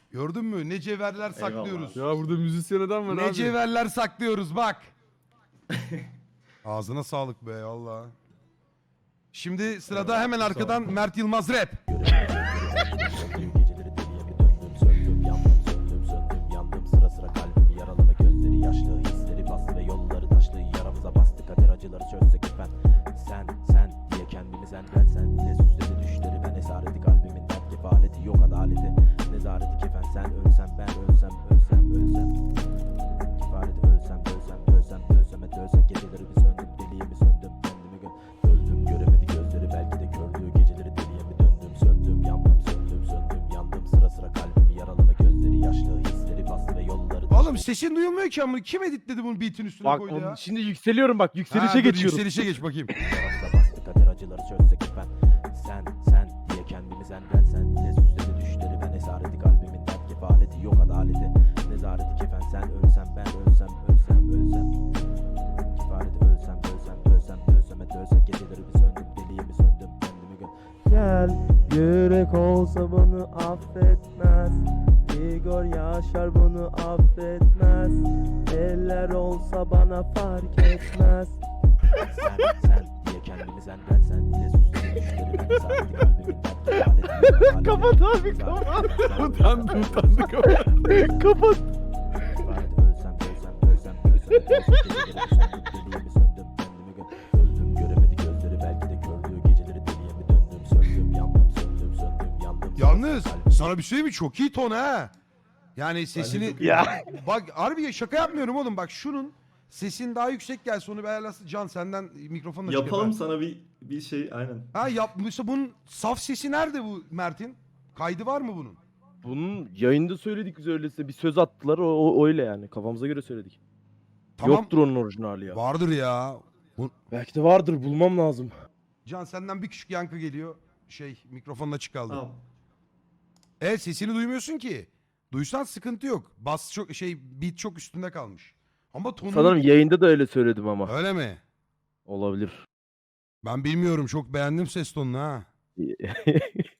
Gördün mü? Ne cevherler saklıyoruz. Ya burada müzisyen adam var Ne abi. cevherler saklıyoruz bak. Ağzına sağlık be valla. Şimdi sırada hemen arkadan Mert Yılmaz rap. Geceleri deliye mi döndüm söndüm yandım söndüm söndüm yandım sıra sıra kalbimi yaraladı gözleri yaşlı hisleri bastı ve yolları taşlı yaramıza bastı kader acıları çözsek efendim sen diye kendimi sen diye süsledi düşleri ben esareti kalbimin dert kefaleti yok adaleti nezareti kefen sen ölsem ben ölsem kefareti ölsem dölsek geceleri bir söndüm deliye mi söndüm kendimi öldüm göremedi gözleri belki de kördü geceleri deliye mi döndüm söndüm yandım yandım sıra sıra kalbimi yaraladı gözleri yaşlı hisleri bastı ve yolları Oğlum sesin duyulmuyor ki ama kim editledi bunu beat'in üstüne Bak koydu ya? şimdi yükseliyorum bak yükselişe Ha, dur, geçiyorum. Yükselişe geç bakayım. yaramıza bastı kader acıları çözsek efendim sen diye kendimi sen diye süsledi düşleri ben esareti kalbimin dert kefaleti yok adaleti nezareti kefen sen ölsem ben ölsem kefareti ölsem dölsek geceleri bir söndüm deliye mi söndüm kendimi gel yürek olsa bunu affetmez Igor Yaşar bunu affetmez eller olsa bana fark etmez sen diye kendimi sen diye süsledi düşleri ben esareti kalbimin dert kefaleti Kapat abi kapat. Utandı kapat. Kapat. Öldüm göremedi gözleri belki de kördü geceleri deliye mi döndüm söndüm yandım Yalnız sana bir şey mi? Çok iyi ton ha. Yani sesini... Ya. Bak harbi şaka yapmıyorum oğlum. Bak şunun sesin daha yüksek gelse onu bir ayarlasın. Can senden mikrofonla çık Yapalım efendim. sana bir şey aynen. Ha yapmışsa bunun saf sesi nerede bu Mert'in? Kaydı var mı bunun? Bunun yayında söyledik biz öyleyse. Bir söz attılar o öyle yani. Kafamıza göre söyledik. Tamam. Yoktur onun orijinali ya. Vardır ya. Belki de vardır bulmam lazım. Can senden bir küçük yankı geliyor. Mikrofonla çık kaldı. Tamam. Evet sesini duymuyorsun ki. Duysan sıkıntı yok. Bas çok beat çok üstünde kalmış. Ama tonu Sanırım yayında da öyle söyledim ama. öyle mi? Olabilir. Ben bilmiyorum. Çok beğendim ses tonunu ha.